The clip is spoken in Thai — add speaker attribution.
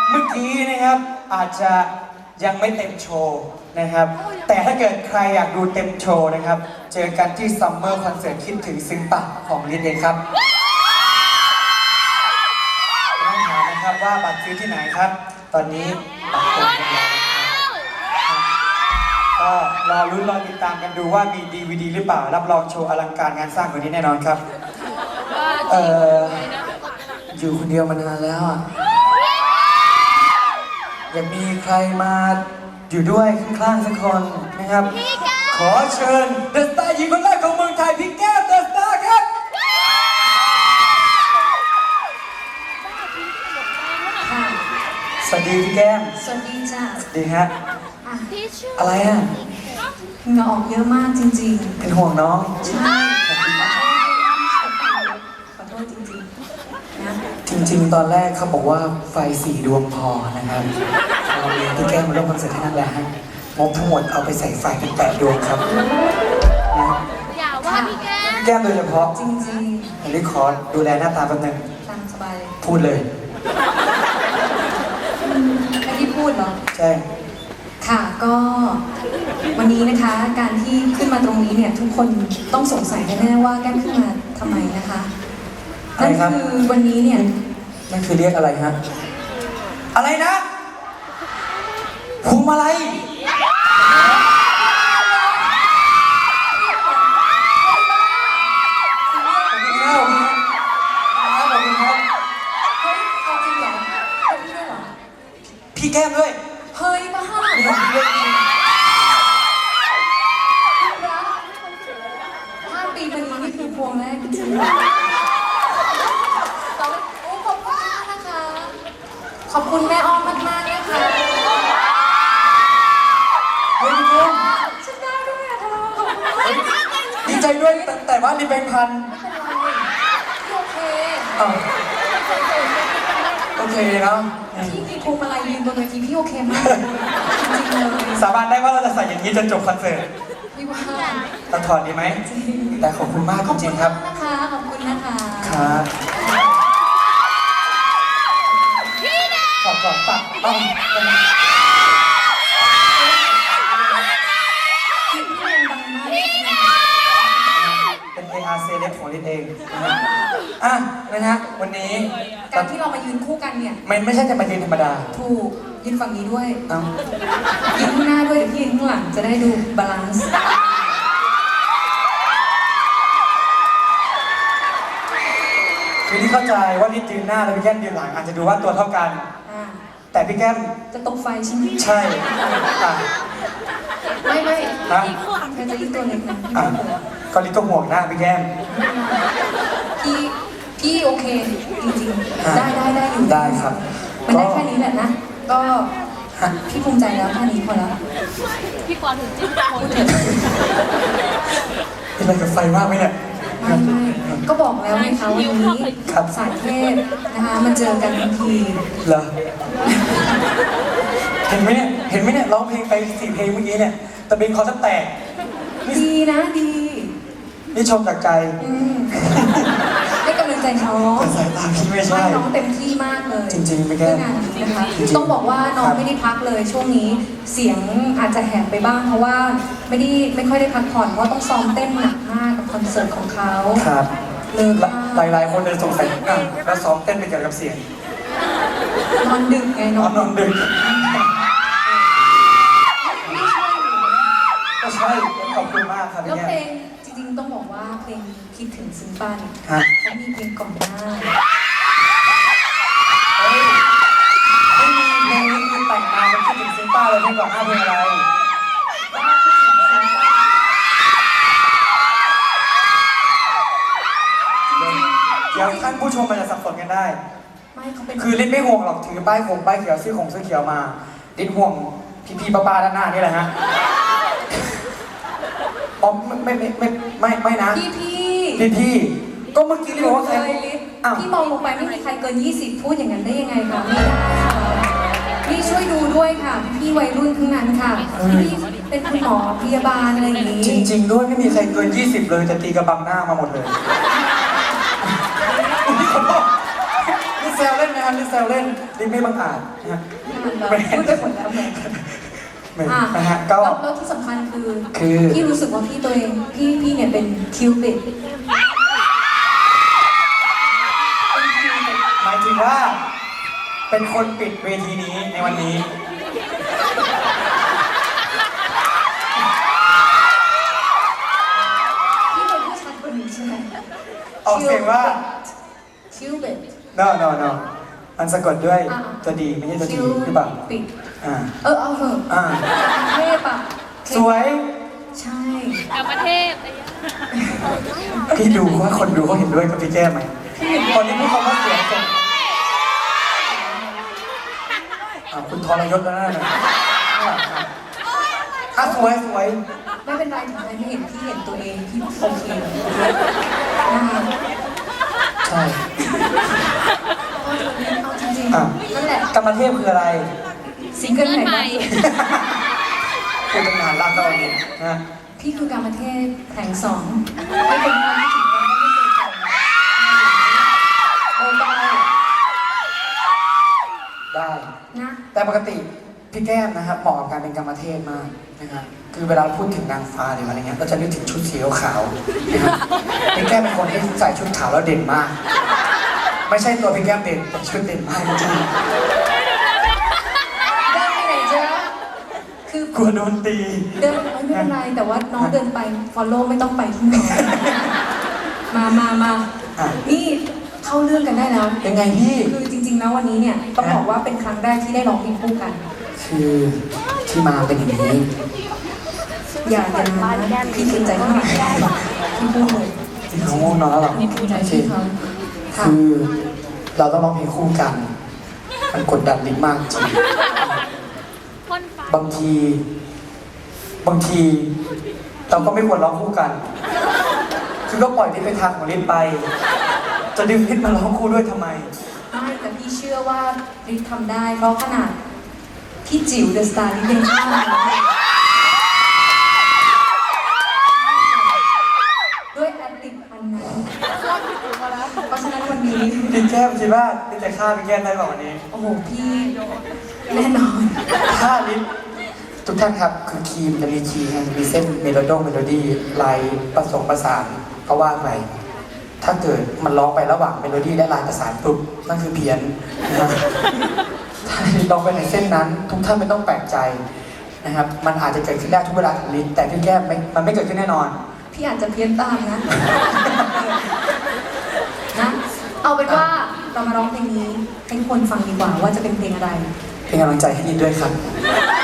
Speaker 1: เมื่อกี้นะครับอาจจะยังไม่เต็มโชว์นะครับแต่ถ้าเกิดใครอยากดูเต็มโชว์นะครับเจอกันที่ซัมเมอร์คอนเสิร์ตคิดถึงซึ้งปะของลินเองครับต้องถามนะครับว่าบัตรซื้อที่ไหนครับตอนนี้บัตรเต็มแล้วก็รอลุ้นรอติดตามกันดูว่ามี DVD หรือเปล่ารับรองโชว์อลังการงานสร้างกว่านี้แน่นอนครับอยู่คนเดียวมานานแล้วอ่ะอยากมีใครมาอยู่ด้วยข้างๆสักคนนะครับขอเชิญเดอะสตาร์หญิงคนแรกของเมืองไทยพี่แก้มเดอะสตาร์ครับสวัสดีพี่แก้ม
Speaker 2: สวัสดีจ้ะ
Speaker 1: สวัสดีฮะอะไรอ่ะ
Speaker 2: เหงื่อออกเยอะมากจริงๆ
Speaker 1: เป็นห่วงน้อง
Speaker 2: ใช่ขอโทษจริงๆนะ
Speaker 1: จริงๆตอนแรกเขาบอกว่าไฟ4 ดวงพอนะครับเราเรียนพี่แก้มมาร่วมคอนเสิร์ตให้นั่นแหละฮะงบทั้งหมดเอาไปใส่ไฟเป็น8 ดวงครับ
Speaker 2: อย่าว่าพี่
Speaker 1: แก้มโดยเฉพาะ
Speaker 2: จริง
Speaker 1: ๆผมขอดูแลหน้าตาแป๊บนึง
Speaker 2: ตามสบายเลย
Speaker 1: พูดเลย
Speaker 2: ไม่ได้พูดเหรอ
Speaker 1: ใช่
Speaker 2: ค่ะก็วันนี้นะคะการที่ขึ้นมาตรงนี้เนี่ยทุกคนต้องสงสัยแน่ๆว่าแก้มขึ้นมาทำไมนะคะนั่นคือวันนี้เนี่ย
Speaker 1: นั่นคือเรียกอะไรฮะอะไรนะภูมิอะไรพี่แก้มด้วย
Speaker 2: เฮ้ยมาห้าปีวันนี้นี่คือพวงแรกจริงๆโอ้ขอบคุณมากนะคะขอบคุณแม่อ้อมมากๆนะคะ
Speaker 1: เฮ้ยพี่แก้ม
Speaker 2: ฉันได้ด้วยอะเธอ
Speaker 1: ดีใจด้วยแต่ว่ารีบแบงค์พัน
Speaker 2: โอเค
Speaker 1: โอเคเนาะ
Speaker 2: พี่มีพวงมาลัยยืนบนเวทีพี่โอเคมากจริงๆเลย
Speaker 1: สาบานได้ว่าเราจะใส่อย่างนี้จนจบคอนเสิร์ต
Speaker 2: พี่ว่า
Speaker 1: ตัดถอดดีไหมแต่ขอบคุณมากจริงๆครับ
Speaker 2: นะคะขอบคุณนะคะ
Speaker 1: ครับขอบคุณปักเป็น AR Celeb ของลินเองนะฮะวันนี้
Speaker 2: การที่เรามายืนคู่กันเนี่ย
Speaker 1: ไม่ใช่จะมายืนธรรมดา
Speaker 2: ถูกยืนฝั่งนี้ด้วยยืนข้างหน้าด้วยเดี๋ยวพี่ยืนข้างหลังจะได้ดูบาลานซ์
Speaker 1: คือที่เข้าใจว่าลินยืนหน้าแล้วพี่แก้มยืนหลังอาจจะดูว่าตัวเท่ากันแต่พี่แก้ม
Speaker 2: จะตกไฟใช่ไหม
Speaker 1: ใช่
Speaker 2: ไม่
Speaker 1: นะ
Speaker 2: เธอจะยืนตัวเล็กนะ
Speaker 1: ก็ลินก็ห่วงหน้าพี่แก้ม
Speaker 2: พี่โอเคจริงๆได้อยู่
Speaker 1: ได้ครับ
Speaker 2: มันได้แค่นี้แหละนะก็พี่ภูมิใจแล้วแค่นี้พอแล้ว
Speaker 3: พี่กวางถึงจิ้มคน
Speaker 1: เป็นอะไรกับไฟมากไหมเนี่ย
Speaker 2: ไม่ก็บอกแล้วไงคะวันนี้สายเทพนะคะมาเจอกันทันที
Speaker 1: เหรอเห็นไหมเนี่ยร้องเพลงไป4 เพลงเมื่อกี้เนี่ยตะเบงคอแตก
Speaker 2: ดีนะดี
Speaker 1: นี่ชมจากใจ
Speaker 2: ให้กำลังใจน้อง
Speaker 1: สายตาพี่ไม่ใช่
Speaker 2: น้องเต็มที่มากเลย
Speaker 1: จริงๆไม่แก้
Speaker 2: งานนี้นะคะต้องบอกว่าน้องไม่ได้พักเลยช่วงนี้เสียงอาจจะแหบไปบ้างเพราะว่าไม่ค่อยได้พักผ่อนเพราะต้องซ้อมเต้นหนักมากกับคอนเสิร์ตของเขา
Speaker 1: ครับหลายคนเลยสงสัยแล้วซ้อมเต้นไปเกี่ยวกับเสียง
Speaker 2: นอนดึกไง
Speaker 1: นอนดึกก็ใช่ขอบคุณมากครับ
Speaker 2: แล้วเพลงจริงๆต้องบอกว่าเพลงคิดถึงซึ้งป้าเนี่ยเขามีเพลงก่อนหน้า
Speaker 1: ไม่มีเพลงนี้คือแต่งมาเป็นคิดถึงซึ้งป้าเลยเพลงก่อนหน้าเพลงอะไรเดี๋ยวท่านผู้ชมมันจะสับสนกันได้คือลิ้นไม่ห่วงหรอกถือป้ายเขียวซื้อเขียวมาลิ้นห่วงพี่ป้าด้านหน้านี่แหละฮะอ๋อไม่นะพี่ก็เมื่อกี้เลยว่าใคร
Speaker 2: พี่มองลงไปไม่มีใครเกิน20พูดอย่างนั้นได้ยังไงคะไม่ได้พี่ช่วยดูด้วยค่ะพี่วัยรุ่นทั้งนั้นค่ะพี่เป็นคุณหมอพยาบาลอะไรอย่างนี้
Speaker 1: จริงๆด้วยไม่มีใครเกิน20เลยจะตีกระบังหน้ามาหมดเลยลิซแซวเล่นนะครับลิซแซวเล่นลิซไม่บังอาจนะฮะ
Speaker 2: พูดไปหมดแล้วแหม
Speaker 1: ไม่นะฮะก็
Speaker 2: แล้วที่สำคัญคือ
Speaker 1: คือ
Speaker 2: พี่รู้สึกว่าพี่ตัวเองพี่เนี่ยเป็นคิวบิด
Speaker 1: หมายถึงว่าเป็นคนปิดเวทีนี้ในวันนี้
Speaker 2: พี่เป็นผู้ชายคนหนึ่งใช่ไหม
Speaker 1: ออกเสียงว่า
Speaker 2: คิวบิด
Speaker 1: no no no มันสะกดด้วยตัวดีไม่ใช่ตัวดีหรือเปล่า
Speaker 2: ปิด
Speaker 1: อ่า
Speaker 2: เอาเถอะ
Speaker 1: อ่า
Speaker 2: เทพอ่ะ
Speaker 1: สวย
Speaker 2: ใช่
Speaker 3: กลับประเทศอะไรอย่างเงี้ย
Speaker 1: พี่ดูว่าคนดูเขาเห็นด้วยกับพี่แก้มไหมตอนนี้พูดคำว่าสวยส่งคุณทรยศแล้วนะสวยสวย
Speaker 2: ไม่เป็นไรถึงใครไม่เห็นพี่เห็นตัวเองพี่โอเคนะคะ
Speaker 1: ใช่
Speaker 2: เอาจริง
Speaker 1: อ่ะ
Speaker 2: ๆนั่นแหละ
Speaker 1: กรรมเทพคืออะไร
Speaker 2: ซิงเกิลไหนบ้าง
Speaker 1: คือตั้งนานลากตอนนี้นะ
Speaker 2: พี่คือการประเทศแห่งสองไม่เป็นความที่ถึงกันไม่เคยกันโอ้ได้
Speaker 1: ได้
Speaker 2: นะ
Speaker 1: แต่ปกติพี่แก้มนะครับเหมาะกับการเป็นกรรมเทพมากนะครับคือเวลาพูดถึงนางฟ้าหรืออะไรเงี้ยเราจะนึกถึงชุดสีขาวๆนะครับพี่แก้มเป็นคนที่ใส่ชุดขาวแล้วเด่นมาก ไม่ใช่ตัวพี่แก้มเด่นแต่ชุดเด่นมากจริง
Speaker 2: เดินไปไหนเจ๊คือ
Speaker 1: ๆกลัวโดนตี
Speaker 2: เดินไม่เป็นไรแต่ว่าน้องเดินไป follow ไม่ต้องไปที่น้องมา
Speaker 1: อ่ะ
Speaker 2: นี่เข้าเรื่องกันได้แล้ว
Speaker 1: ยังไงพี่
Speaker 2: คือจริงๆแล้ววันนี้เนี่ยต้องบอกว่าเป็นครั้งแรกที่ได้ร้องเพลงคู่กัน
Speaker 1: คือที่มาเป็นอย่างนี้
Speaker 2: อย่านะพี่เกรงใจข้างหลังพี่พูดเลย
Speaker 1: ที่เขาง่วงนอนแล้วหรอ
Speaker 2: นี่พูดใจพี่เขาค่ะ
Speaker 1: คือเราต้องร้องเพลงคู่กัน มันกดดันลิ้นมากจริง
Speaker 3: พ่นไฟ
Speaker 1: บางทีเราก็ไม่ควรร้องคู่กัน คือก็ปล่อยลิ้นไปทางของลิ้นไป จะดึงลิ้นมาร้องคู่ด้วยทำไม
Speaker 2: ไม่แต่พี่เชื่อว่าริททำได้เพราะขนาดพี่จิ๋วเดอะสตาร์นี่เด้งข้ามมาด้วยแอดลิปอันนั้นเพราะฉะนั้นวันนี้
Speaker 1: พี่แก้มคิดว่าลิ้นจะฆ่าพี่แก้มได้เปล่าวันนี้
Speaker 2: โอ้โหพี่แน่นอน
Speaker 1: ฆ่าลิ้นทุกท่านครับคือคีย์จะมีคีย์ไงมีเส้นเมโลดี้ลายผสมประสานก็ว่าไปถ้าเกิดมันร้องไประหว่างเมโลดี้และลายประสานปุ๊บนั่นคือเพี้ยนนะครับถ้าร้องไปในเส้นนั้น ทุกท่านไม่ต้องแปลกใจนะครับมันอาจจะเกิดขึ้นได้ทุกเวลาของลิ้นแต่พี่แก้มมันไม่เกิดขึ้นแน่นอน
Speaker 2: พี่อาจจะเพี้ยนตามนะ นะ เอาเป็นว่าเรามาร้องเพลงนี้ให้ทุกคนฟังดีกว่าว่าจะเป็นเพลงอะไร
Speaker 1: เป็นกำลังใจให้ยินด้วยครับ